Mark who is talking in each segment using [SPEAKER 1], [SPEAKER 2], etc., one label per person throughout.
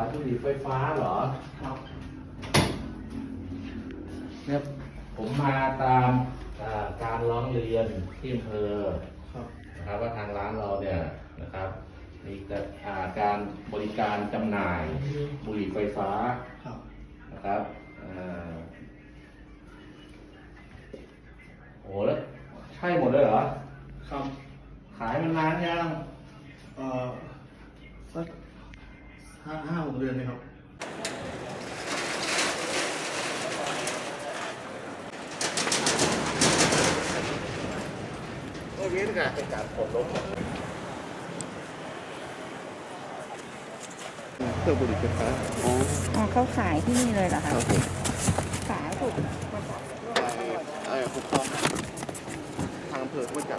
[SPEAKER 1] ายบุหรี่ไฟฟ้าเหรอครับเนี่ยผมมาตามการร้องเรียนที่อำเภอนะครับว่าทางร้านเราเนี่ยนะครับมีการบริการจำหน่ายบุหรี่ไฟฟ้านะครับโอ้แล้วใช่หมดเลยเหรอครับขายมันนานยัง
[SPEAKER 2] สัก5-6 เดือนเลยครับ
[SPEAKER 1] เว้นกันเป็นการผลลบ
[SPEAKER 2] เครื่องบุหรี่ไฟฟ้า
[SPEAKER 3] อ๋อเขาขายที่นี่เลยเหรอคะขายถูก
[SPEAKER 2] ปกครองทางอำเภอมาจาก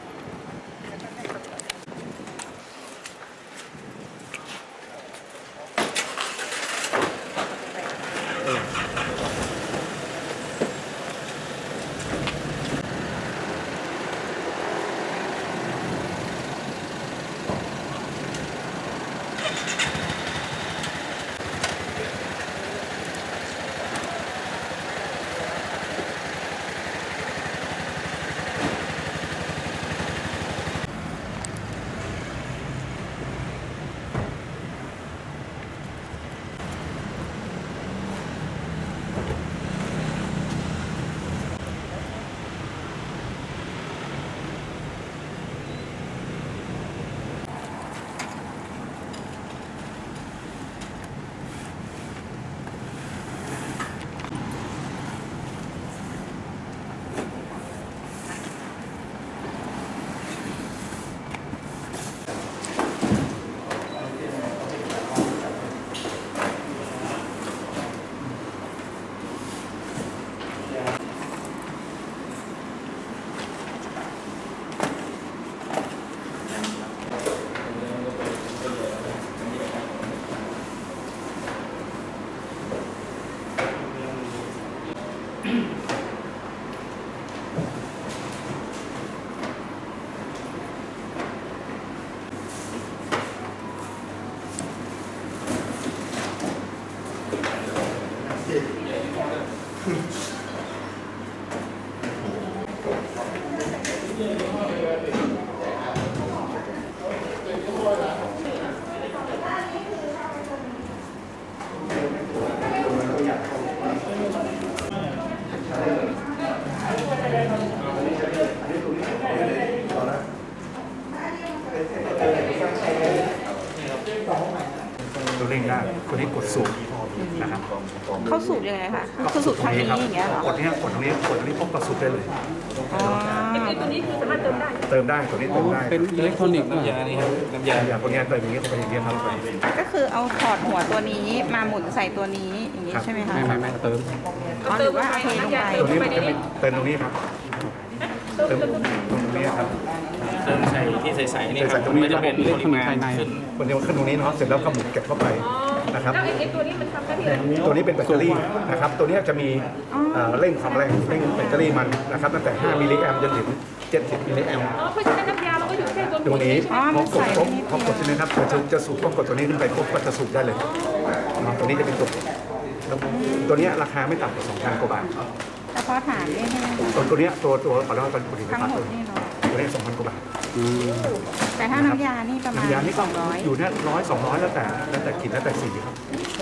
[SPEAKER 4] ตัวเร่งได้ตัวนี้กดสูบนะครับ
[SPEAKER 3] เขาสูบยังไงคะคือสูบทางนี้อย่างเงี้ยเหรอก
[SPEAKER 4] ดตรงนี้ปุ๊บก็สูบได้เลย
[SPEAKER 3] ตัวนี้คือสามารถเติมได้
[SPEAKER 4] ตัวนี้เติมได้
[SPEAKER 2] เป็นอิเล็กทรอนิกส์น้ำยานี่ครับน้ำยา
[SPEAKER 4] ตัวนี้เติมอย่างนี้เข้าไปอย่างนี้ครับ
[SPEAKER 3] ก็คือเอาถอดหัวตัวนี้มาหมุนใส่ตัวนี้อย่างนี้ใช่ไหมคะ
[SPEAKER 4] ไม่เติม
[SPEAKER 3] หรือว่าเทลงไป
[SPEAKER 4] ตัวนี้เติมตรงนี้ครับเติมตรงนี้ครับ
[SPEAKER 2] เติมใส่ที่ใส่นี่ครับ
[SPEAKER 4] ตรงนี้
[SPEAKER 2] จะเป็น
[SPEAKER 4] อิเล็กทรอนิกส์
[SPEAKER 2] ภายใน
[SPEAKER 4] คนเดียวขึ้นตรงนี้เนาะเสร็จแล้วก็หมุนเก็บเข้าไปนะครับ
[SPEAKER 3] แล้วไอ้ตัวนี้มันทำได้ที่
[SPEAKER 4] ตัวนี้เป็นแบตเตอรี่นะครับตัวนี้จะมีเร่งความแรงเร่งแบตเตอรี่มันนะครับตั้งแต่5มิลลิแอมป์จนถึง70มิลลิแอมป์
[SPEAKER 3] เพราะฉะนั้นน้ำยาเราก็อยู่แค่
[SPEAKER 4] ตัวนี้พอกดใช่ไหมครับจะสูบพอกดตัวนี้ขึ้นไปปุ๊บก็จะสูบได้เลยตัวนี้จะเป็นตัวนี้ราคาไม่ต่ำกว่า 2,000 กว่าบาท
[SPEAKER 3] แต่พอถามเนี่ยใช่ไหม
[SPEAKER 4] ตัวนี้ตัวขอเล่าตอนผลิตภัณฑ์
[SPEAKER 3] ทั้งหมดนี่เนาะ
[SPEAKER 4] ตัวนี้ 2,000 กว่าบาท
[SPEAKER 3] แต่ถ้าน้ำยานี่ประมาณ
[SPEAKER 4] น้ำยานี่200อยู่เนี่ย100-200แล้วแต่กลิ่นแล้วแต่สีครับ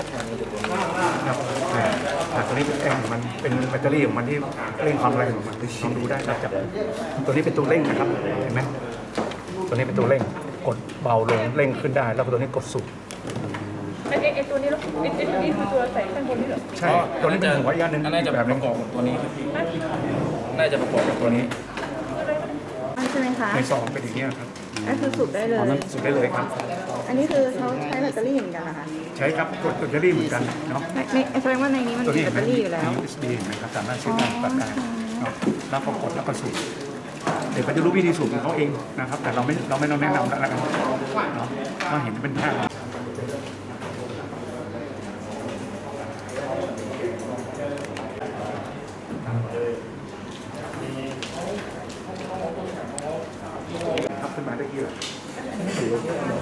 [SPEAKER 4] ตัวนี้เป็นแอมของมันเป็นแบตเตอรี่ของมันที่เร่งความแรงของมันลองดูได้ครับจับตัวนี้เป็นตัวเร่งนะครับเห็นไหมตัวนี้เป็นตัวเร่งกดเบาลงเร่งขึ้นได้แล้วตัวนี้กดสูบ
[SPEAKER 3] ไอ้ตัวนี้แล้วไอ้ตัวนี้คือตัวใส่ข้างบนนี่เหรอ
[SPEAKER 4] ใช่ตัวนี้เป็นหัวอีกอันนึง
[SPEAKER 2] น่าจะประกอบกับตัวนี้น่าจะประกอบกับตัวนี้
[SPEAKER 3] ใช่ไหมคะ
[SPEAKER 4] ในซองเป็นอย่างนี้ครับ
[SPEAKER 3] ก็คือสูบได้เลย
[SPEAKER 4] สูบได้เลยครับ
[SPEAKER 3] อันนี้คือเขาใช้แบตเตอรี่เหมือนกันเหรอคะ
[SPEAKER 4] ใช้ครับกดแบตเตอรี่เหมือนกันเนาะ
[SPEAKER 3] แสดงว่าในนี้มันมีแบตเตอรี่อยู่แล้ว
[SPEAKER 4] USB เห็นไหมครับสามารถเชื่อมต่อกันเนาะแล้วพอกดแล้วก็สูบเดี๋ยวเขาจะรู้วิธีสูบของเขาเองนะครับแต่เราไม่ต้องแนะนำแล้วกันเนาะก็เห็นเป็นภาพขึ้นมาได้กี่